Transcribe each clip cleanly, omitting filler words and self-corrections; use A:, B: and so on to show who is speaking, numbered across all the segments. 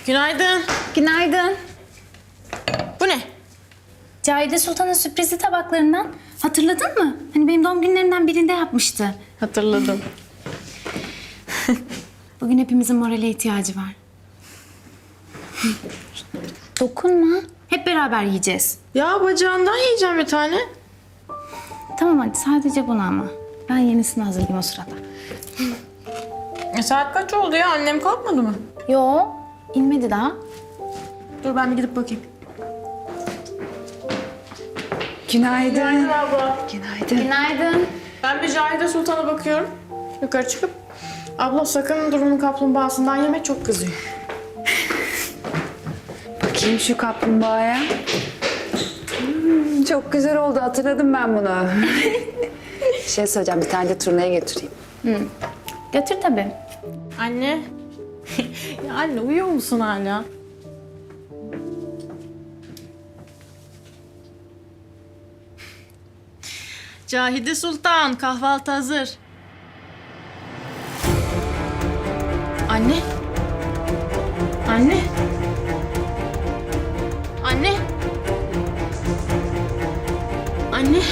A: Günaydın.
B: Günaydın.
A: Bu ne?
B: Cahide Sultan'ın sürprizli tabaklarından. Hatırladın mı? Hani benim doğum günlerimden birinde yapmıştı.
A: Hatırladım.
B: Bugün hepimizin morale ihtiyacı var. Dokunma. Hep beraber yiyeceğiz.
A: Ya bacağından yiyeceğim bir tane.
B: Tamam hadi sadece bunu ama. Ben yenisini hazırlayayım o sırada.
A: Saat kaç oldu ya? Annem kalkmadı mı?
B: Yo, inmedi daha.
A: Dur ben bir gidip bakayım.
C: Günaydın.
A: abla.
C: Günaydın.
B: Günaydın.
A: Ben bir Cahide Sultan'a bakıyorum. Yukarı çıkıp. Abla sakın durumun kaplumbağasından yeme, çok kızıyor.
C: Bakayım şu kaplumbağaya. Çok güzel oldu. Hatırladım ben bunu. Şey söyleyeceğim. Bir tane de turnaya götüreyim.
B: Götür tabii.
A: Anne. Ya anne uyuyor musun hala? Cahide Sultan, kahvaltı hazır. Anne. Anne. Anne. Anne.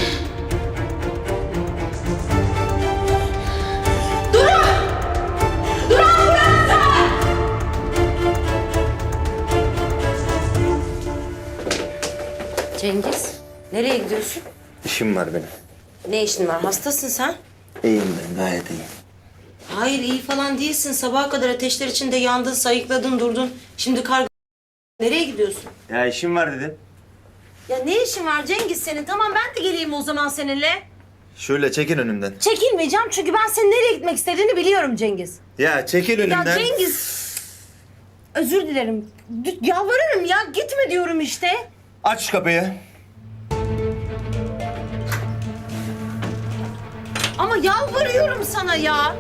D: Cengiz, nereye gidiyorsun?
E: İşim var benim.
D: Ne işin var? Hastasın sen.
E: İyiyim ben, gayet iyiyim.
D: Hayır, iyi falan değilsin. Sabaha kadar ateşler içinde yandın, sayıkladın, durdun. Şimdi karga... Nereye gidiyorsun?
E: Ya işim var dedim.
D: Ya ne işin var Cengiz senin? Tamam ben de geleyim o zaman seninle.
E: Şöyle çekin önümden.
D: Çekilmeyeceğim çünkü ben senin nereye gitmek istediğini biliyorum Cengiz.
E: Ya çekil önümden.
D: Ya Cengiz... Özür dilerim. Yalvarırım ya. Gitme diyorum işte.
E: Aç şu kapıyı.
D: Ama yalvarıyorum sana ya.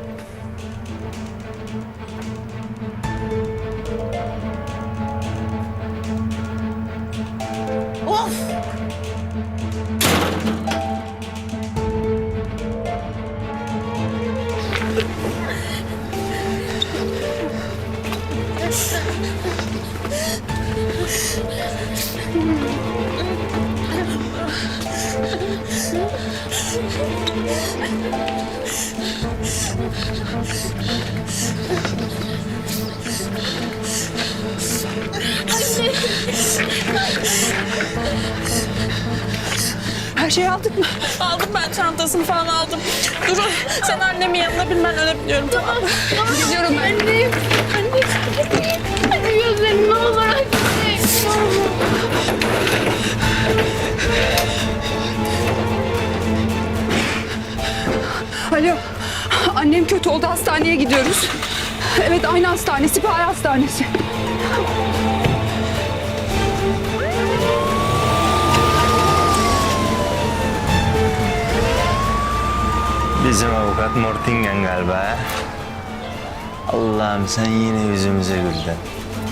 D: Of!
C: Her şeyi aldık mı?
A: Aldım ben çantasını falan aldım. Durun sen annemin yanına bin, ben ölebiliyorum, tamam mı?
C: Gidiyorum ben.
B: Annem. Annem. Hadi gözlerim ne olur anne.
C: Alo. Annem kötü oldu. Hastaneye gidiyoruz. Evet, aynı hastane. Sipahi Hastanesi.
E: Bizim avukat Mortingen galiba. Allah'ım sen yine yüzümüze güldün.